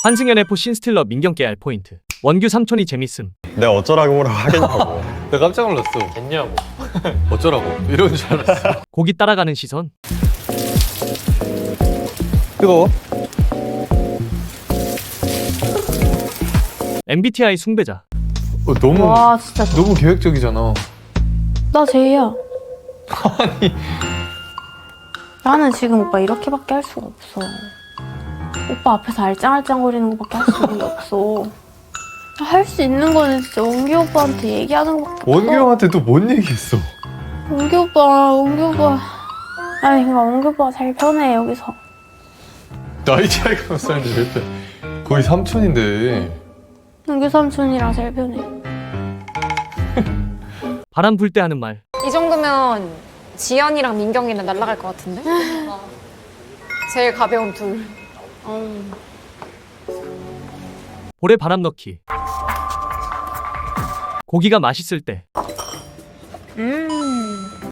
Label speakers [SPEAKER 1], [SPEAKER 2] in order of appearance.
[SPEAKER 1] 환승연 F 신스틸러 민경 깨알 포인트. 원규 삼촌이 재밌음.
[SPEAKER 2] 내가 어쩌라고 뭐라고 하겠냐고.
[SPEAKER 3] 내가 깜짝 놀랐어.
[SPEAKER 4] 됐냐고.
[SPEAKER 3] 어쩌라고 이러는 줄 알았어.
[SPEAKER 1] 고기 따라가는 시선.
[SPEAKER 3] 뜨거워?
[SPEAKER 1] MBTI 숭배자.
[SPEAKER 3] 너무
[SPEAKER 5] 와 진짜
[SPEAKER 3] 너무 계획적이잖아.
[SPEAKER 5] 나 제이야. 아니 나는 지금 오빠 이렇게밖에 할 수가 없어. 오빠 앞에서 알짱알짱거리는 것밖에 할 수 있는 게 없어. 할 수 있는 거는 진짜 원규 오빠한테 얘기하는 것밖에 없어.
[SPEAKER 3] 원규 형한테 또 뭔 얘기했어?
[SPEAKER 5] 원규 오빠. 아니 그러니까 원규 오빠가 제일 편해 여기서.
[SPEAKER 3] 나이 차이가 몇 살인데 왜 이렇게 거의 삼촌인데.
[SPEAKER 5] 원규 삼촌이랑 제일 편해.
[SPEAKER 1] 바람 불 때 하는 말.
[SPEAKER 6] 이 정도면 지연이랑 민경이는 날아갈 것 같은데? 제일 가벼운 둘.
[SPEAKER 1] 볼에 바람 넣기. 고기가 맛있을 때.